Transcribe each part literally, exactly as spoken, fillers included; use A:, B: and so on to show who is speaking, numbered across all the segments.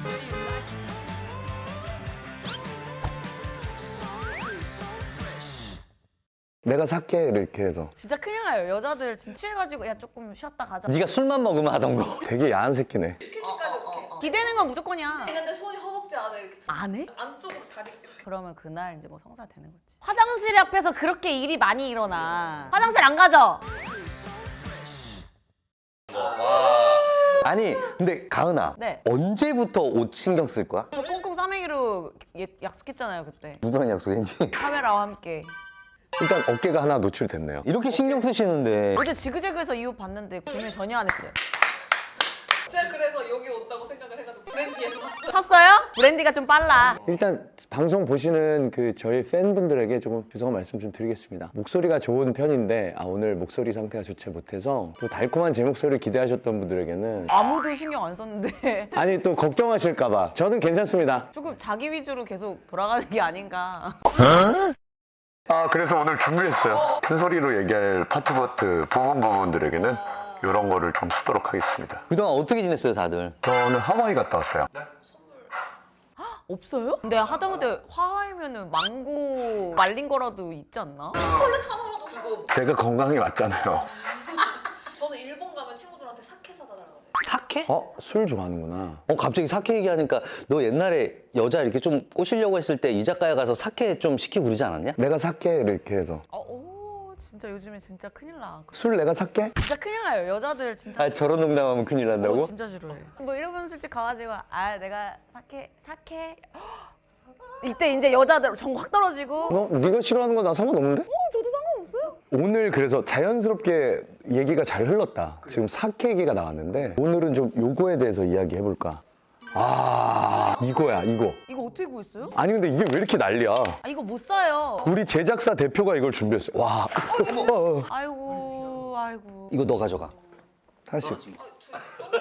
A: 내가 살게 이렇게 해서.
B: 진짜 큰일 나요. 여자들 진짜 취해가지고 야 조금 쉬었다 가자.
C: 네가 술만 먹으면 하던 거.
A: 되게 야한 새끼네.
D: 스킨십까지 오케이.
B: 기대는 건 무조건이야.
D: 근데 손이 허벅지 안에 이렇게 들어.
B: 안 해?
D: 안쪽으로 다리 이렇게.
B: 그러면 그날 이제 뭐 성사 되는 거지. 화장실 앞에서 그렇게 일이 많이 일어나. 화장실 안 가죠?
C: 아니 근데 가은아.
B: 네.
C: 언제부터 옷 신경 쓸 거야?
B: 저 꽁꽁 싸매기로 예- 약속했잖아요 그때.
C: 누구랑 약속했지?
B: 카메라와 함께.
A: 일단 어깨가 하나 노출됐네요.
C: 이렇게 신경 쓰시는데.
B: 어제 지그재그에서 이 옷 봤는데 구매 전혀 안 했어요.
D: 제가 그래서 여기 온다고 생각을 해가지고 브랜디에서 샀어요.
B: 샀어요? 브랜디가 좀 빨라.
A: 일단 방송 보시는 그 저희 팬분들에게 조금 죄송한 말씀 좀 드리겠습니다. 목소리가 좋은 편인데 아, 오늘 목소리 상태가 좋지 못해서 또 달콤한 제 목소리를 기대하셨던 분들에게는
B: 아무도 신경 안 썼는데
A: 아니 또 걱정하실까 봐 저는 괜찮습니다.
B: 조금 자기 위주로 계속 돌아가는 게 아닌가.
A: 아 그래서 오늘 준비했어요. 큰 소리로 얘기할 파트 파트 부분 부분들에게는 이런 거를 좀 쓰도록 하겠습니다.
C: 그동안 어떻게 지냈어요 다들?
A: 저는 하와이 갔다 왔어요.
B: 없어요? 근데 하다못해 화하면은 망고 말린 거라도 있지 않나?
D: 폴레타노로도 그거.
A: 제가 건강이 맞잖아요.
D: 저는 일본 가면 친구들한테 사케 사다 달라고.
C: 사케?
A: 어? 술 좋아하는구나.
C: 어 갑자기 사케 얘기하니까 너 옛날에 여자 이렇게 좀 꼬시려고 했을 때 이자카야 가서 사케 좀 시키고 그러지 않았냐?
A: 내가 살게 이렇게 해서.
B: 어, 오 진짜 요즘에 진짜 큰일 나.
A: 술 내가 살게?
B: 진짜 큰일 나요. 여자들 진짜.
C: 아 저런 농담하면 큰일
B: 어,
C: 난다고?
B: 진짜 싫어해. 뭐 이러면 솔직히 가가지고 아 내가 사케 사케 이때 이제 여자들 정 확 떨어지고.
A: 너 네가 싫어하는 거 나 상관없는데?
B: 어 저도 상관없어요.
A: 오늘 그래서 자연스럽게 얘기가 잘 흘렀다. 지금 사케 얘기가 나왔는데 오늘은 좀 요거에 대해서 이야기해볼까? 아 이거야 이거.
B: 이거 어떻게 구했어요?
A: 아니 근데 이게 왜 이렇게 난리야?
B: 아 이거 못 사요.
A: 우리 제작사 대표가 이걸 준비했어요. 와. 어, 어.
B: 아이고 아이고.
C: 이거 너 가져가.
A: 사실
D: 아, 저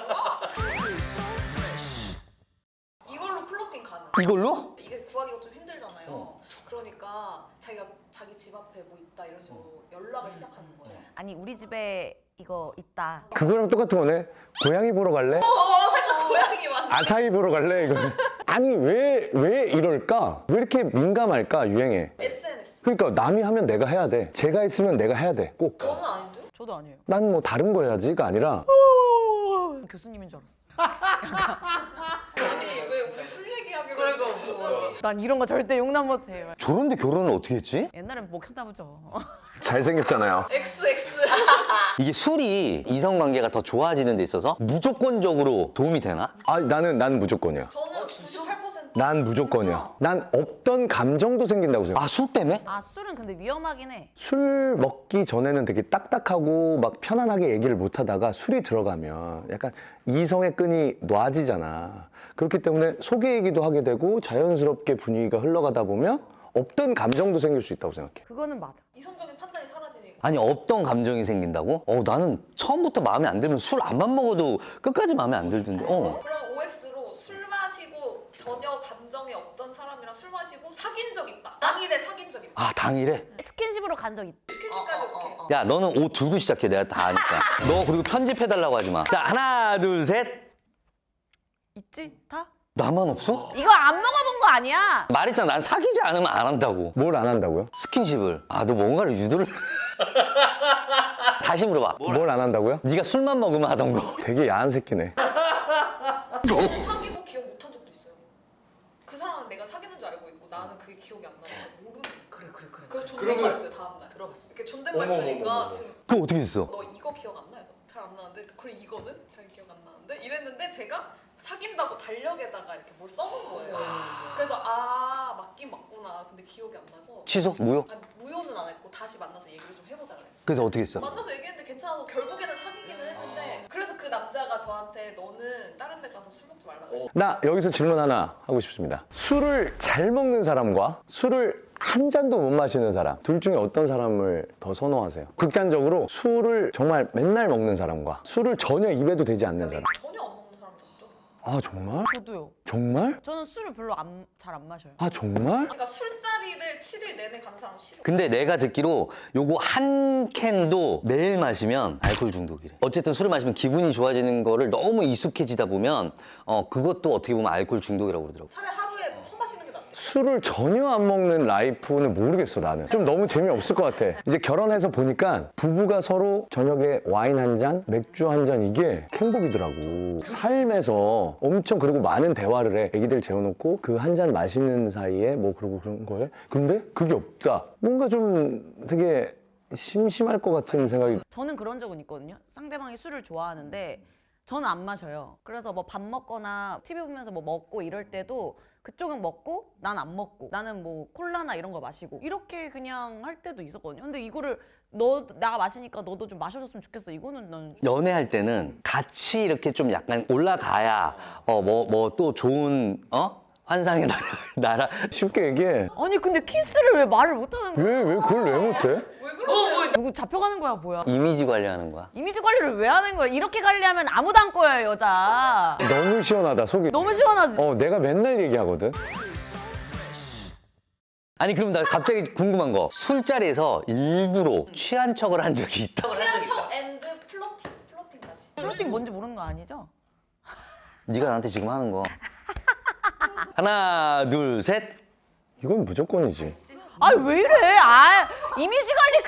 D: 이걸로 플로팅 가능.
C: 이걸로?
D: 이게 구하기가 좀 힘들잖아요. 그러니까 자기가 자기 집 앞에 뭐 있다 이런 식으로 연락을 시작하는 거예요.
B: 아니 우리 집에 이거 있다.
A: 그거랑 똑같은 거네. 고양이 보러 갈래?
D: 어, 살짝 고양이 맞네.
A: 아사히 보러 갈래? 이거. 아니 왜 왜 이럴까? 왜 이렇게 민감할까 유행에?
D: 에스엔에스.
A: 그러니까 남이 하면 내가 해야 돼. 제가 있으면 내가 해야 돼. 꼭.
D: 저는 아닌데요?
B: 저도 아니에요.
A: 난 뭐 다른 거 해야지가 아니라
B: 교수님인 줄 알았어.
D: 아니 왜 우리 술 얘기하기로 그러니까 갑자기.
B: 난 이런 거 절대 용납 못해요.
C: 저런데 결혼을 어떻게 했지?
B: 옛날엔 목혔나 보죠.
A: 잘생겼잖아요.
D: 엑스 엑스.
C: 이게 술이 이성관계가 더 좋아지는 데 있어서 무조건적으로 도움이 되나?
A: 아 나는 난 무조건이야.
D: 저는 구십팔 퍼센트.
A: 난 무조건이야. 난 없던 감정도 생긴다고 생각해.
C: 아 술 때문에?
B: 아 술은 근데 위험하긴 해.
A: 술 먹기 전에는 되게 딱딱하고 막 편안하게 얘기를 못 하다가 술이 들어가면 약간 이성의 끈이 놔지잖아. 그렇기 때문에 소개 얘기도 하게 되고 자연스럽게 분위기가 흘러가다 보면 없던 감정도 생길 수 있다고 생각해.
B: 그거는 맞아.
D: 이성적인 판단이 사라지니까.
C: 아니 없던 감정이 생긴다고? 어 나는 처음부터 마음에 안 들면 술 안만 먹어도 끝까지 마음에 안 들던데. 어.
D: 그럼 오엑스로 술 마시고 전혀 감정이 없던 사람이랑 술 마시고 사귄 적 있다. 당일에 사귄 적 있다.
C: 아 당일에?
B: 스킨십으로 간 적 있다.
D: 스킨십까지 오케이.
C: 야 너는 옷 들고 시작해. 내가 다 아니까. 너 그리고 편집해달라고 하지 마. 자 하나 둘 셋.
B: 있지? 다?
C: 나만 없어?
B: 이거 안 먹어본 거 아니야?
C: 말했잖아. 난 사귀지 않으면 안 한다고.
A: 뭘 안 한다고요?
C: 스킨십을. 아 너 뭔가를 유도를. 다시 물어봐.
A: 뭘 안 한다고요?
C: 네가 술만 먹으면 하던 거.
A: 되게 야한 새끼네.
D: 저는 사귀고 기억 못한 적도 있어요. 그 사람은 내가 사귀는 줄 알고 있고 나는 그게 기억이 안 나니까 모르는.
B: 그래 그래 그래.
D: 그 존댓말 써요 다음 날. 들어봤어. 이렇게 존댓말 쓰니까 지금
C: 그거 어떻게 됐어?
D: 너 이거 기억 안 나요? 잘 안 나는데 그래 이거는 자기 기억 안 나는데 이랬는데 제가 사귄다고 달력에다가 이렇게 뭘 써놓은 거예요. 그래서 아 맞긴 맞구나. 근데 기억이 안 나서.
C: 취소? 무효?
D: 아니 무효는 안 했고 다시 만나서 얘기를 좀 해보자 그랬지.
C: 그래서 어떻게 했어?
D: 만나서 얘기했는데 괜찮아서 결국에는 사귀기는 했는데 그래서 그 남자가 저한테 너는 다른 데 가서 술 먹지 말라고 했어.
A: 나 여기서 질문 하나 하고 싶습니다. 술을 잘 먹는 사람과 술을 한 잔도 못 마시는 사람 둘 중에 어떤 사람을 더 선호하세요? 극단적으로 술을 정말 맨날 먹는 사람과 술을 전혀 입에도 대지 않는 사람.
D: 전혀 안 먹는 사람도 있죠.
A: 아 정말?
B: 저도요.
A: 정말?
B: 저는 술을 별로 잘 안 마셔요.
A: 아 정말?
D: 그러니까 술자리를 칠 일 내내 가는 사람 싫어.
C: 근데 내가 듣기로 요거 한 캔도 매일 마시면 알코올 중독이래. 어쨌든 술을 마시면 기분이 좋아지는 거를 너무 익숙해지다 보면 어 그것도 어떻게 보면 알코올 중독이라고 그러더라고.
D: 차라리 하루에 한 마시는 게 낫대.
A: 술을 전혀 안 먹는 라이프는 모르겠어 나는. 좀 너무 재미없을 것 같아. 이제 결혼해서 보니까 부부가 서로 저녁에 와인 한 잔, 맥주 한 잔 이게 행복이더라고. 삶에서 엄청 그리고 많은 대화를 해. 애기들 재워놓고 그 한 잔 마시는 사이에 뭐 그러고 그런 거에. 근데 그게 없다. 뭔가 좀 되게 심심할 것 같은 생각이.
B: 저는 그런 적은 있거든요. 상대방이 술을 좋아하는데 저는 안 마셔요. 그래서 뭐 밥 먹거나 티비 보면서 뭐 먹고 이럴 때도 그쪽은 먹고 난 안 먹고 나는 뭐 콜라나 이런 거 마시고 이렇게 그냥 할 때도 있었거든요. 근데 이거를 너 내가 마시니까 너도 좀 마셔줬으면 좋겠어. 이거는 난
C: 연애할 때는 같이 이렇게 좀 약간 올라가야 어 뭐 뭐 또 좋은 어 환상의 나라 나라
A: 쉽게 얘기해.
B: 아니 근데 키스를 왜 말을 못하는 거야?
A: 왜, 왜 그걸 왜 못해?
D: 왜 그러세요?
B: 누구 잡혀가는 거야 뭐야?
C: 이미지 관리하는 거야.
B: 이미지 관리를 왜 하는 거야? 이렇게 관리하면 아무도 안 꼬여요 여자.
A: 너무 시원하다 속이.
B: 너무 시원하지?
A: 어 내가 맨날 얘기하거든.
C: 아니 그럼 나 갑자기 궁금한 거 술자리에서 일부러 취한 척을 한 적이 있다.
D: 취한 척 앤드 플러팅, 플러팅까지.
B: 플로팅 뭔지 모르는 거 아니죠?
C: 네가 나한테 지금 하는 거. 하나 둘 셋.
A: 이건 무조건이지.
B: 아 왜 이래? 아 이미지 관리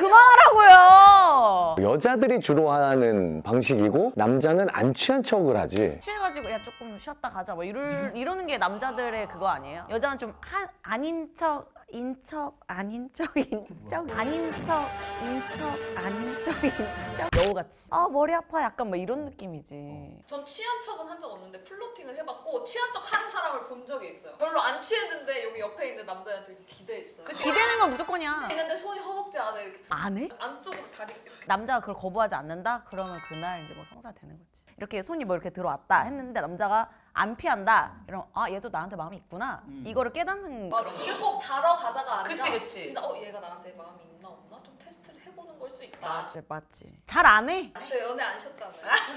B: 그만하라고요.
A: 여자들이 주로 하는 방식이고 남자는 안 취한 척을 하지.
B: 취해가지고 야 조금 쉬었다 가자 뭐 이럴, 이러는 게 남자들의 그거 아니에요? 여자는 좀 한, 아닌 척, 인척, 아닌 척, 인척, 아닌 척, 인척, 아닌 척, 인척 여우같이 아 머리 아파 약간 뭐 이런 느낌이지.
D: 전 취한 척은 한 적 없는데 플러팅을 해봤고 취한 척 하는 사람을 본 적이 있어요. 별로 안 취했는데 여기 옆에 있는 남자한테 되게 기대했어요. 그치?
B: 기대는 건 무조건이야.
D: 있는데 손이 허벅지 안에 이렇게 들어.
B: 안 해?
D: 안쪽으로 다리 이렇게.
B: 남자가 그걸 거부하지 않는다? 그러면 그날 이제 뭐 성사되는 거지. 이렇게 손이 뭐 이렇게 들어왔다 했는데 남자가 안 피한다. 이러면 아 얘도 나한테 마음이 있구나. 이거를 깨닫는.
D: 맞아. 이게 꼭 자러 가자가 아니라
B: 그치, 그치.
D: 진짜 어 얘가 나한테 마음이 있나 없나 좀 테스트를 해보는 걸 수 있다.
B: 맞지 맞지. 잘 안 해.
D: 저 연애 안 하셨잖아요.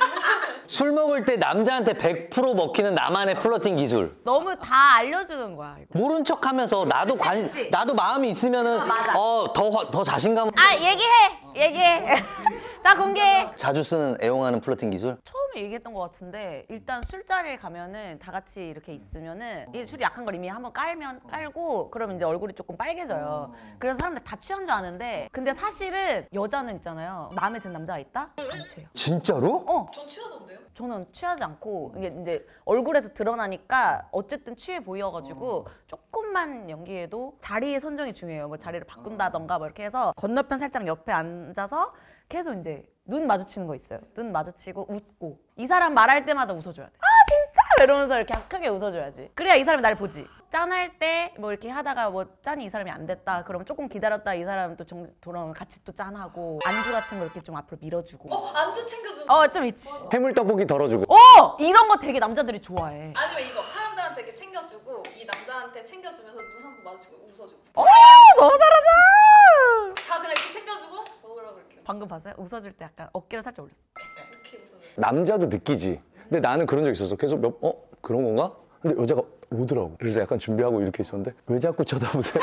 C: 술 먹을 때 남자한테 백 퍼센트 먹히는 나만의 플러팅 기술.
B: 너무 다 알려주는 거야 이거.
C: 모른 척하면서 나도 관
D: 그치.
C: 나도 마음이 있으면은 어 더 더 자신감.
B: 아 얘기해 얘기해. 나 공개해.
C: 자주 쓰는 애용하는 플러팅 기술.
B: 처음에 얘기했던 것 같은데 일단 술자리에 가면은 다 같이 이렇게 있으면은 이 술이 약한 걸 이미 한번 깔면 깔고 그러면 이제 얼굴이 조금 빨개져요. 그래서 사람들 다 취한 줄 아는데 근데 사실은 여자는 있잖아요. 마음에 드는 남자가 있다? 안 취해요.
C: 진짜로?
B: 어.
D: 전 취하던데요?
B: 저는 취하지 않고 이게 이제 얼굴에서 드러나니까 어쨌든 취해 보여가지고 조금만 연기해도 자리의 선정이 중요해요. 뭐 자리를 바꾼다던가 뭐 이렇게 해서 건너편 살짝 옆에 앉아서 계속 이제 눈 마주치는 거 있어요. 눈 마주치고 웃고 이 사람 말할 때마다 웃어줘야 돼. 아 진짜 이러면서 이렇게 크게 웃어줘야지. 그래야 이 사람이 날 보지. 짠할 때 뭐 이렇게 하다가 뭐 짠이 이 사람이 안 됐다 그러면 조금 기다렸다 이 사람 또 정, 돌아오면 같이 또 짠하고 안주 같은 거 이렇게 좀 앞으로 밀어주고
D: 어 안주 챙겨주는.
B: 어 좀 있지.
A: 해물 떡볶이 덜어주고.
B: 어 이런 거 되게 남자들이 좋아해.
D: 아니면 이거 사람들한테 이렇게 챙겨주고 이 남자한테 챙겨주면서 눈 한 번 마주치고 웃어주고.
B: 어 너무 잘한다.
D: 다 그냥 이렇게 챙겨주고 먹으라고 이렇게
B: 방금 봤어요? 웃어줄 때 약간 어깨를 살짝 올렸어.
D: 이렇게 웃어줘요.
A: 남자도 느끼지. 근데 나는 그런 적 있었어. 계속 몇, 어? 그런 건가? 근데 여자가 오더라고. 그래서 약간 준비하고 이렇게 있었는데 왜 자꾸 쳐다보세요?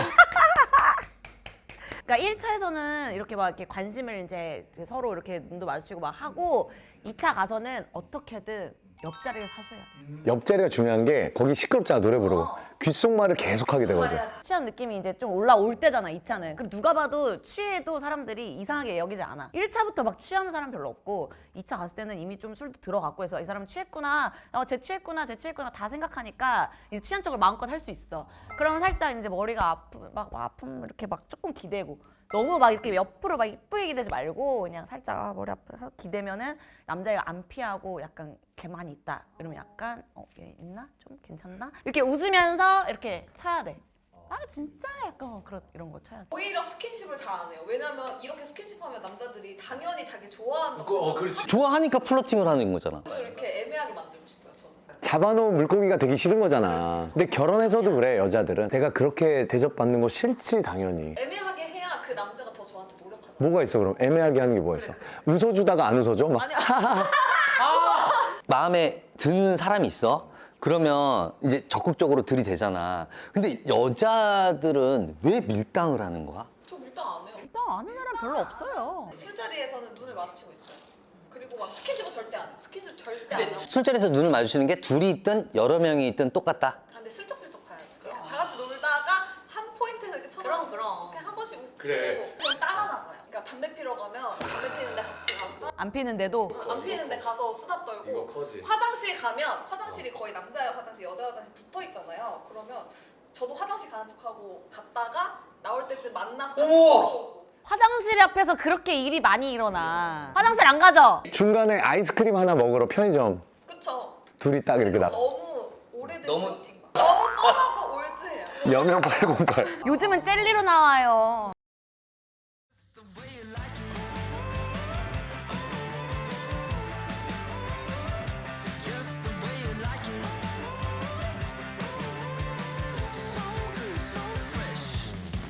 B: 그러니까 일 차에서는 이렇게 막 이렇게 관심을 이제 서로 이렇게 눈도 마주치고 막 하고 이 차 가서는 어떻게든 옆자리를 사셔야 돼.
A: 옆자리가 중요한 게 거기 시끄럽잖아 노래 부르고. 귓속말을 계속 하게 되거든.
B: 취한 느낌이 이제 좀 올라올 때잖아, 이 차는. 그럼 누가 봐도 취해도 사람들이 이상하게 여기지 않아. 일 차부터 막 취하는 사람 별로 없고 이 차 갔을 때는 이미 좀 술도 들어갔고 해서 이 사람 취했구나, 어, 쟤 취했구나, 쟤 취했구나 다 생각하니까 이제 취한 척을 마음껏 할 수 있어. 그러면 살짝 이제 머리가 아프, 막 아픔 이렇게 막 조금 기대고 너무 막 이렇게 옆으로 막 이쁘게 기대지 말고 그냥 살짝 아, 머리 아파서 기대면은 남자애가 안 피하고 약간 걔만이 있다. 이러면 약간 어, 얘 있나? 좀 괜찮나? 이렇게 웃으면서 이렇게 쳐야 돼. 아 진짜 약간 그런 이런 거 쳐야 돼.
D: 오히려 스킨십을 잘 안 해요. 왜냐면 이렇게 스킨십하면 남자들이 당연히 자기 좋아한다고.
A: 어, 그렇지.
C: 좋아하니까 플러팅을 하는 거잖아.
D: 저 이렇게 애매하게 만들고 싶어요, 저는.
A: 잡아놓은 물고기가 되기 싫은 거잖아. 근데 결혼해서도 그래 여자들은. 내가 그렇게 대접받는 거 싫지 당연히.
D: 애매하게 해야 그 남자가 더 저한테 노력하잖아요.
A: 뭐가 있어 그럼? 애매하게 하는 게 뭐가 있어? 웃어주다가 안 웃어줘? 막
D: 아니,
C: 마음에 드는 사람이 있어. 그러면 이제 적극적으로 들이대잖아. 근데 여자들은 왜 밀당을 하는 거야?
D: 저 밀당 안 해요.
B: 일단 아는 사람 별로 없어요.
D: 술자리에서는 눈을 마주치고 있어요. 그리고 막 스킨십은 절대 안 해요. 스킨십 절대 안 하고.
C: 술자리에서 눈을 마주치는 게 둘이 있든 여러 명이 있든 똑같다.
D: 아, 근데 슬쩍슬쩍 봐야지. 다 같이 놀다가 한 포인트에서 이렇게 쳐다보고
B: 그럼, 그럼.
D: 그냥 한 번씩 웃고
A: 그래.
D: 그럼 따라나 봐요. 그러니까 담배 피러 가면 담배 피는데 같이 가고
B: 안 피는데도
D: 안 피는데 가서 수다 떨고
A: 커지.
D: 화장실 가면 화장실이 거의 남자 화장실 여자 화장실 붙어 있잖아요. 그러면 저도 화장실 가는 척하고 갔다가 나올 때쯤 만나서 같이 걸어오고
B: 화장실 앞에서 그렇게 일이 많이 일어나. 화장실 안 가죠?
A: 중간에 아이스크림 하나 먹으러 편의점
D: 그쵸?
A: 둘이 딱 이렇게 나
D: 너무 오래된
C: 너무-
D: 루틴 너무 뻔하고 올드해요.
A: 여명 팔공팔
B: 요즘은 젤리로 나와요.